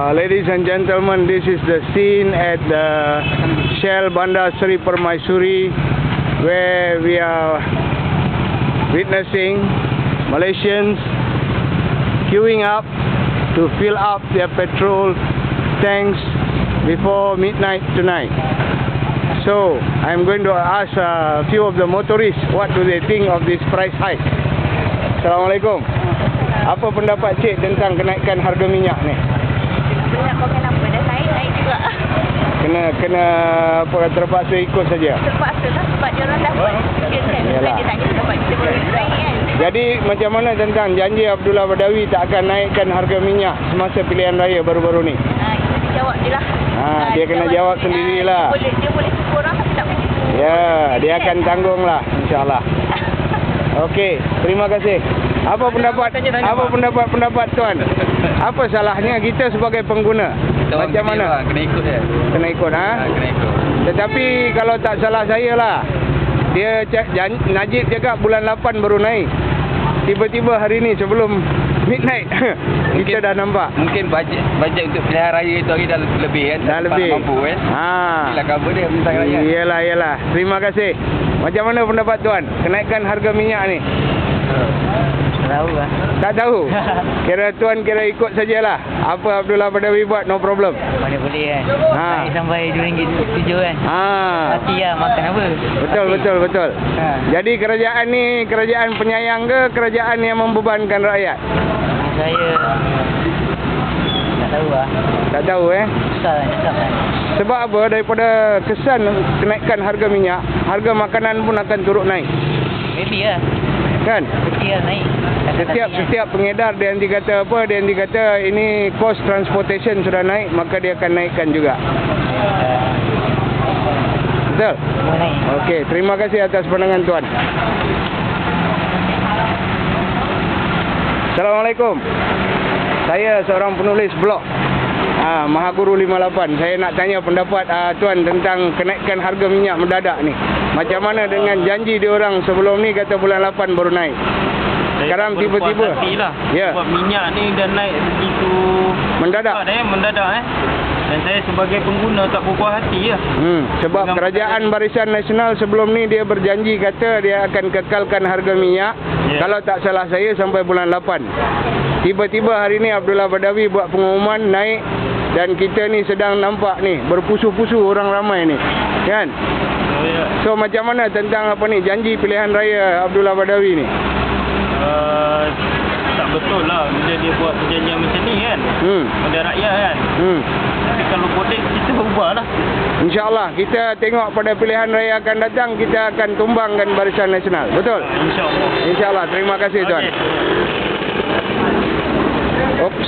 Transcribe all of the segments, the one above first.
Ladies and gentlemen, this is the scene at the Shell Bandar Seri Permaisuri, where we are witnessing Malaysians queuing up to fill up their petrol tanks before midnight tonight. So I'm going to ask a few of the motorists what do they think of this price hike. Assalamualaikum. Apa pendapat cik tentang kenaikan harga minyak ni? Nak kau kenapa dah naik juga. Kena apa, terpaksa ikut saja. Terpaksa lah sebab dia orang dapat. Dia tak kira dapat kita boleh naik kan. Jadi macam mana tentang janji Abdullah Badawi tak akan naikkan harga minyak semasa pilihan raya baru-baru ni? Itu dijawab je lah. Dia kena jawab sendirilah. Dia boleh kurang tapi tak begitu. Ya, dia akan tanggung lah, insyaAllah. Okey, terima kasih. Apa pendapat tuan? Apa salahnya kita sebagai pengguna? Macam mana? Kena ikut dia. Kena ikut, ha? Kena ikut. Tetapi kalau tak salah saya lah, dia Najib cakap bulan 8 baru naik. Tiba-tiba hari ni sebelum midnight kita dah nampak. Mungkin bajet untuk pilihan raya itu hari dah lebih kan. Dah lebih. Mampu kan. Inilah cover dia tentang raya. Iyalah. Terima kasih. Macam mana pendapat tuan kenaikan harga minyak ni? Tak tahu lah. Tak tahu. Tuan ikut sajalah. Apa Abdullah Badawi buat, no problem. Mana boleh kan. Naik sampai RM2.7 kan. Hati lah makan apa. Betul. Jadi kerajaan ni kerajaan penyayang ke kerajaan yang membebankan rakyat? Saya tak tahu lah. Tak tahu Susah lah cakap kan. Sebab apa? Daripada kesan kenaikan harga minyak, harga makanan pun akan turut naik. Maybe lah. Kan? Mesti lah naik. Setiap pengedar dia nanti kata apa? Dia nanti kata ini cost transportation sudah naik, maka dia akan naikkan juga. Betul? Semua naik. Okey, terima kasih atas pandangan tuan. Assalamualaikum. Saya seorang penulis blog Mahaguru 58. Saya nak tanya pendapat tuan tentang kenaikan harga minyak mendadak ni. Macam mana dengan janji diorang sebelum ni kata bulan 8 baru naik. Sekarang tiba-tiba. Ya. Sebab minyak ni dah naik begitu mendadak. Mendadak. Dan saya sebagai pengguna tak berpuas hati lah. Sebab dengan kerajaan Barisan Nasional sebelum ni dia berjanji kata dia akan kekalkan harga minyak. Kalau tak salah saya sampai bulan 8. Tiba-tiba hari ni Abdullah Badawi buat pengumuman naik. Dan kita ni sedang nampak ni berpusu-pusu orang ramai ni. Kan? So macam mana tentang apa ni janji pilihan raya Abdullah Badawi ni? Tak betul lah bila dia buat perjanjian macam ni kan. Pada rakyat kan. Tapi kalau boleh kita ubah lah. InsyaAllah kita tengok pada pilihan raya akan datang kita akan tumbangkan Barisan Nasional. Betul? InsyaAllah. Terima kasih tuan. Oops.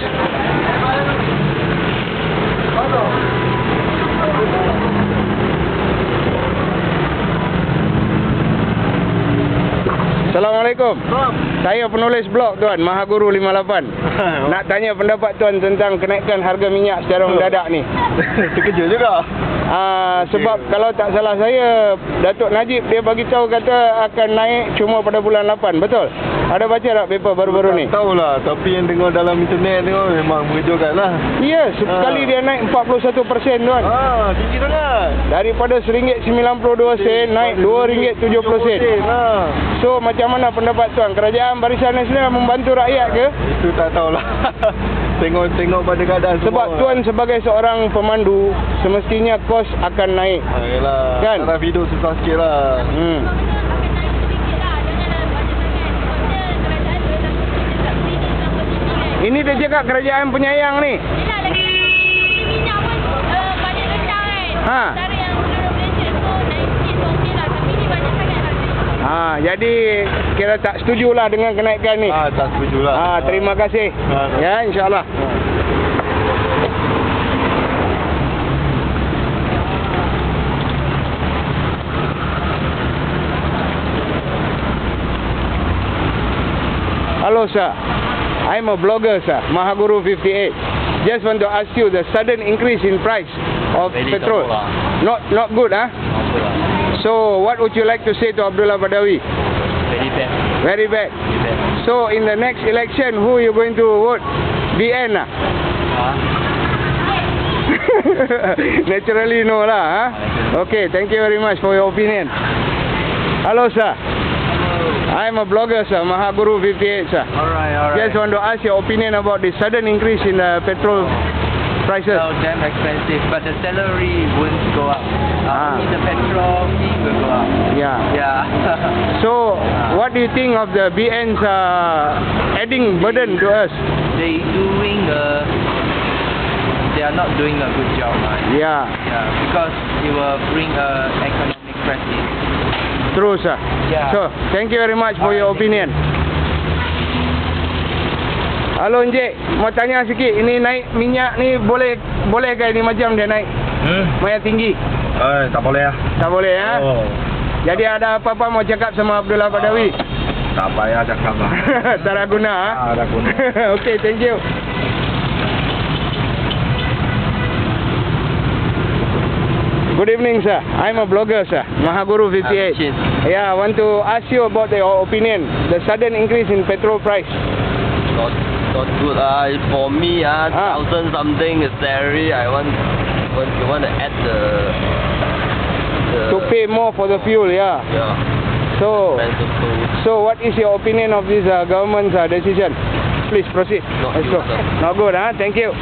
Assalamualaikum. Saya penulis blog tuan, Mahaguru 58. Nak tanya pendapat tuan tentang kenaikan harga minyak secara mendadak ni. Terkejut juga. Sebab kalau tak salah saya, Datuk Najib dia bagi tahu kata akan naik cuma pada bulan 8. Betul? Ada baca tak paper baru-baru ni? Tak tahulah, tapi yang tengok dalam internet tengok memang mengejutkan lah. Ya, sekali dia naik 41% tuan. Tinggi sangat. Daripada RM1.92 naik RM2.70. So macam mana pendapat tuan? Kerajaan Barisan Nasional membantu rakyat ke? Itu tak tahulah. Tengok pada keadaan sebab semua. Tuan sebagai seorang pemandu semestinya kos akan naik. Yalah. Kan? Taraf hidup susah sikit lah. Ini dia cakap kerajaan penyayang ni. Yelah lagi minyak pun banyak rendah kan. Antara yang seluruh Malaysia tu naik sikit tu okey lah. Tapi ni banyak sangat lah. Jadi kira tak setujulah dengan kenaikan ni. Tak setujulah. Terima kasih. Ya, insyaAllah. Hello sir. I'm a blogger sir, Mahaguru 58. Just want to ask you the sudden increase in price of petrol. Not good, huh? So what would you like to say to Abdullah Badawi? Very bad. Very bad. So in the next election, who are you going to vote? BN? Naturally no lah. Huh? Okay, thank you very much for your opinion. Hello sir. I'm a blogger sir, Mahaguru 58 sir. Alright. Just want to ask your opinion about the sudden increase in the petrol prices. So damn expensive, but the salary won't go up. Ah. Only the petrol fee will go up. Yeah. Yeah. So, what do you think of the BN's adding burden to us? They are not doing a good job, right? Yeah, Yeah, because it will bring economic crisis. true sir. Yeah. So, thank you very much for your opinion. Halo Encik, mau tanya sikit, ini naik minyak ni boleh ke ini macam dia naik? Banyak tinggi? Tak boleh lah. Tak boleh ya? Oh. Jadi ada apa-apa mau cakap sama Abdullah Badawi? Tak payah cakap lah. Tak ada guna ha? Tak ada guna. Okay, thank you. Good evening sir, I'm a blogger sir, Mahaguru 58. Yeah, I want to ask you about your opinion, the sudden increase in petrol price. Not good. For me, 1,000 something is salary. I want to add the To pay more for the fuel, yeah. yeah So, expensive food. so what is your opinion of this government's decision? Please proceed. Not Let's good, go. sir. Not good, huh? Thank you.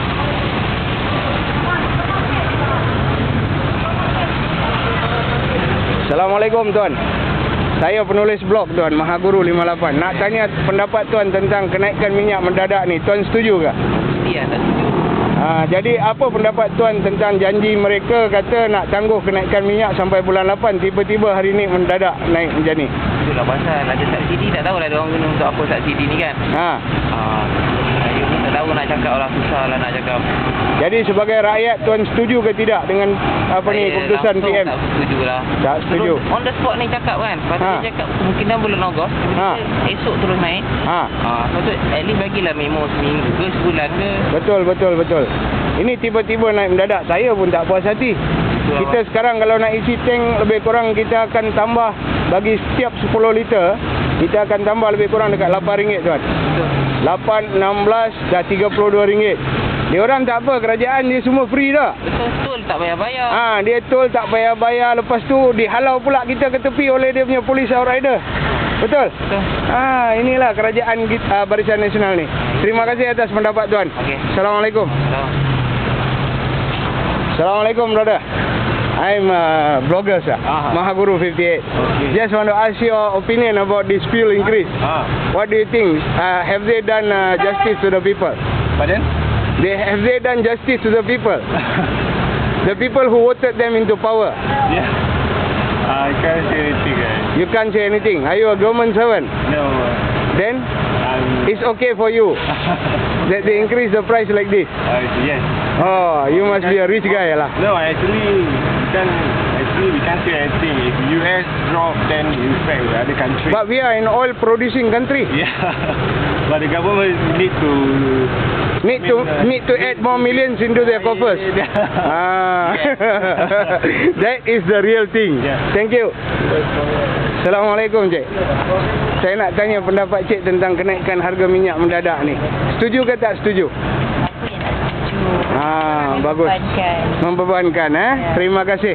Assalamualaikum tuan. Saya penulis blog tuan, Mahaguru 58. Nak tanya pendapat tuan tentang kenaikan minyak mendadak ni. Tuan setuju ke? Iya, tak setuju. Jadi apa pendapat tuan tentang janji mereka kata nak tangguh kenaikan minyak sampai bulan 8, tiba-tiba hari ni mendadak naik macam ni? Itulah pasal ada subsidi, tak tahulah dia orang guna untuk apa subsidi ni kan. Saya pun tak tahu nak cakap lah, susah lah nak cakap. Jadi sebagai rakyat tuan setuju ke tidak dengan apa ni keputusan langsung PM? tak setuju lah. Tak setuju. Terus on the spot ni cakap kan. Lepas tu dia cakap kemungkinan bulan Ogos, esok terus naik. Lepas tu at least bagilah memo seminggu ke sebulan ke. Betul. Ini tiba-tiba naik mendadak. Saya pun tak puas hati. Kita sekarang kalau nak isi tank lebih kurang kita akan tambah bagi setiap 10 liter kita akan tambah lebih kurang dekat RM8 tuan. 8, 16 dah RM32. Dia orang tak apa, kerajaan dia semua free dah. Betul tak bayar-bayar. Dia tol tak bayar-bayar, lepas tu dihalau pula kita ke tepi oleh dia punya polis outrider. Betul? Inilah kerajaan kita, Barisan Nasional ni. Terima kasih atas pendapat tuan. Okey. Assalamualaikum. Assalamualaikum brother. I'm a blogger sir, Mahaguru 58. Just want to ask your opinion about this fuel increase. What do you think? Have they done justice to the people? Pardon? Have they done justice to the people? The people who voted them into power. Yeah. I can't say anything. You can't say anything. Are you a government servant? No. Then it's okay for you that they increase the price like this. Yes. Oh, you must be a rich guy lah. No, actually we can't say anything. If US drop, then you affect the other country. But we are an oil producing country. Yeah. But the government need to add more millions into their coffers. That is the real thing. Yeah. Thank you. Assalamualaikum cik. Saya nak tanya pendapat cik tentang kenaikan harga minyak mendadak ni. Setuju ke tak setuju? Apa yang tak setuju? Bagus. Membebankan Terima kasih.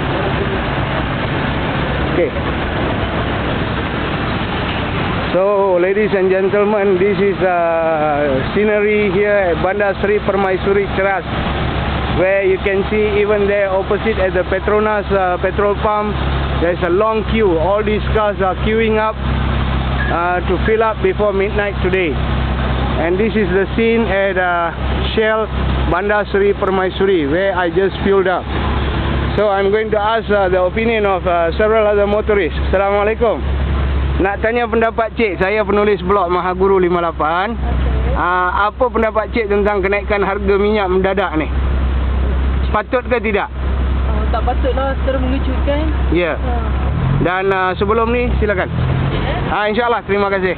Okay. So, ladies and gentlemen, this is scenery here at Bandar Seri Permaisuri Ceras, where you can see even there opposite at the Petronas petrol pump, there's a long queue. All these cars are queuing up to fill up before midnight today. And this is the scene at Shell Bandar Seri Permaisuri, where I just filled up. So I'm going to ask the opinion of several other motorists. Assalamualaikum. Nak tanya pendapat cik, saya penulis blog Mahaguru 58. Apa pendapat cik tentang kenaikan harga minyak mendadak ni? Patut ke tidak? Tak patutlah, terus mengejutkan. Ya. Dan sebelum ni silakan. InsyaAllah, terima kasih.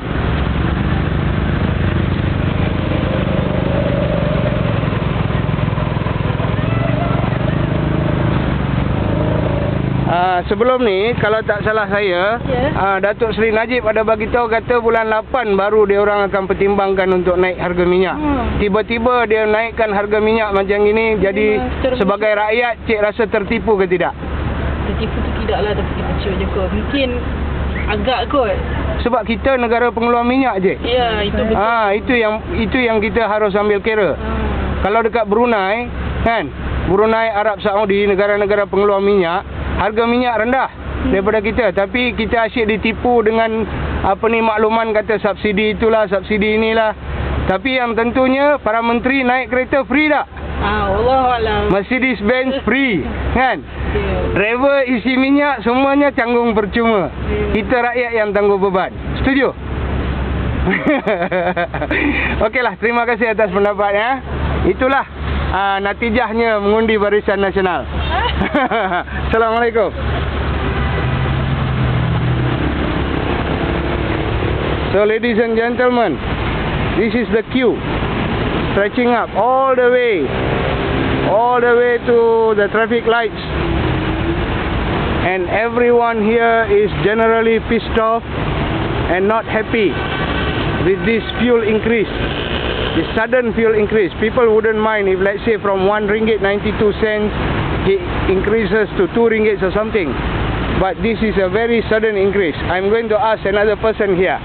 sebelum ni kalau tak salah saya, Ya. Datuk Seri Najib ada bagi tahu kata bulan 8 baru dia orang akan pertimbangkan untuk naik harga minyak. Tiba-tiba dia naikkan harga minyak macam ini, jadi secara sebagai rakyat cik rasa tertipu ke tidak? Tertipu tu tidak lah, tapi kecil je kot. Mungkin agak kot. Sebab kita negara pengeluar minyak je. Ya, itu betul. Itu yang kita harus ambil kira. Kalau dekat Brunei, kan? Brunei, Arab Saudi, negara-negara pengeluar minyak, harga minyak rendah daripada kita. Tapi kita asyik ditipu dengan makluman kata subsidi itulah, subsidi inilah. Tapi yang tentunya para menteri naik kereta free tak? Wallahualam. Mercedes-Benz free, kan? Ya. Driver isi minyak semuanya tanggung percuma. Kita rakyat yang tanggung beban. Setuju? Okeylah, terima kasih atas pendapatnya. Itulah natijahnya mengundi Barisan Nasional. Assalamualaikum. So ladies and gentlemen, this is the queue stretching up all the way to the traffic lights, and everyone here is generally pissed off and not happy with this fuel increase, this sudden fuel increase. People wouldn't mind if, let's say, from 1 ringgit 92 cents it increases to 2 ringgit or something, but this is a very sudden increase. I'm going to ask another person here.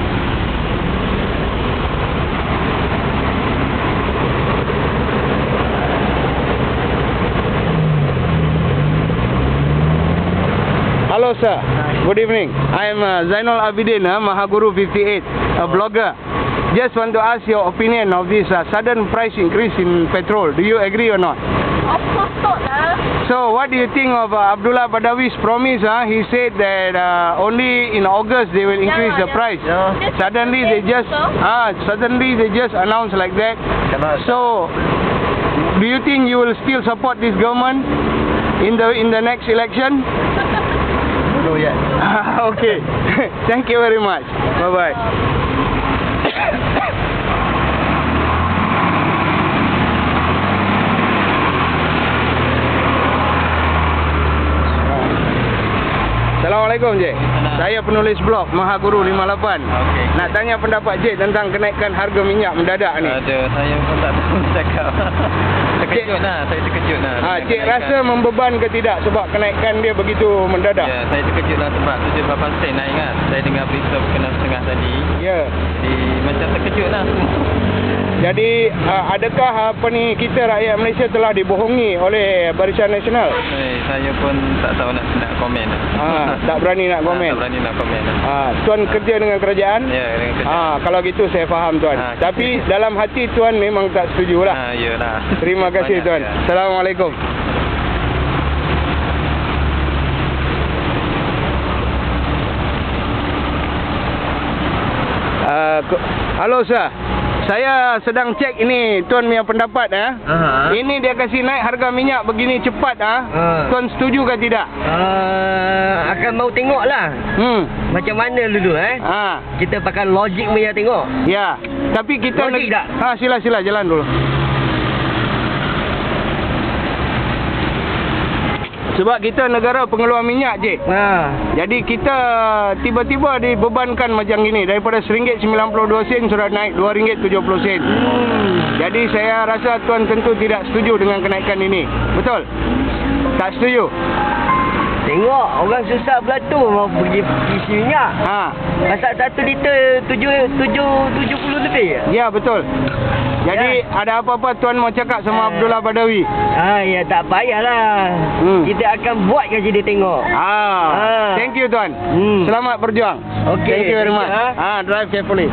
Hello sir, good evening. I am Zainal Abidin, Mahaguru 58, a blogger. Just want to ask your opinion of this sudden price increase in petrol. Do you agree or not? Of course not lah. So what do you think of Abdullah Badawi's promise? He said that only in August they will increase the price. Suddenly they just announced like that. So do you think you will still support this government in the next election? No yet. Okay. Thank you very much. Bye bye. Assalamualaikum Cik. Saya penulis blog Mahaguru 58. Nak tanya pendapat Cik tentang kenaikan harga minyak mendadak ni. Ada, saya pun tak tahu cakap. Terkejut lah, saya terkejut lah. Cik rasa membeban ke tidak sebab kenaikan dia begitu mendadak? Ya, saya terkejut lah sebab 78 sen naik kan. Saya dengar berita berkenaan setengah tadi. Ya. Jadi macam terkejut lah. Jadi adakah kita rakyat Malaysia telah dibohongi oleh Barisan Nasional? Saya pun tak tahu nak komen. Tak berani nak komen. Tak berani nak komen. Tuan kerja dengan kerajaan? Ya, dengan kerajaan. Kalau gitu saya faham tuan. Tapi dalam hati tuan memang tak setuju lah. Yalah. Terima kasih tuan. Assalamualaikum. Halo sir. Saya sedang cek ini tuan punya pendapat Ini dia kasih naik harga minyak begini cepat Tuan setuju ke tidak? Akan mau tengok lah macam mana dulu kita pakai logik punya tengok. Ya. Tapi kita logik tak? Sila jalan dulu. Sebab kita negara pengeluar minyak je. Jadi kita tiba-tiba dibebankan macam gini. Daripada RM1.92 sudah naik RM2.70. Jadi saya rasa tuan tentu tidak setuju dengan kenaikan ini. Betul? Tak setuju? Tengok orang susah pula tu mau pergi isi minyak. Masak 1 liter 70 lebih. Ya betul. Jadi ada apa-apa tuan mau cakap sama Abdullah Badawi? Ya tak payahlah. Kita akan buat je dia tengok. Thank you tuan. Selamat berjuang. Okay. Thank you very much. Drive carefully.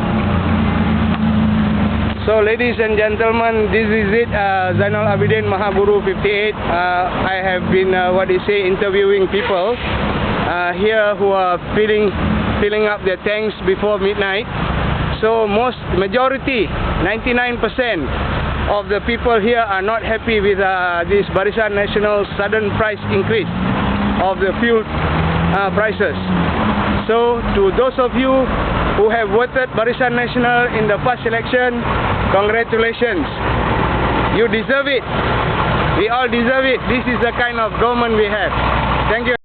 So ladies and gentlemen, this is it. Zainal Abidin, Mahaguru 58. I have been interviewing people here who are filling up their tanks before midnight. So majority, 99% of the people here are not happy with this Barisan Nasional sudden price increase of the fuel prices. So to those of you who have voted Barisan Nasional in the past election, congratulations. You deserve it. We all deserve it. This is the kind of government we have. Thank you.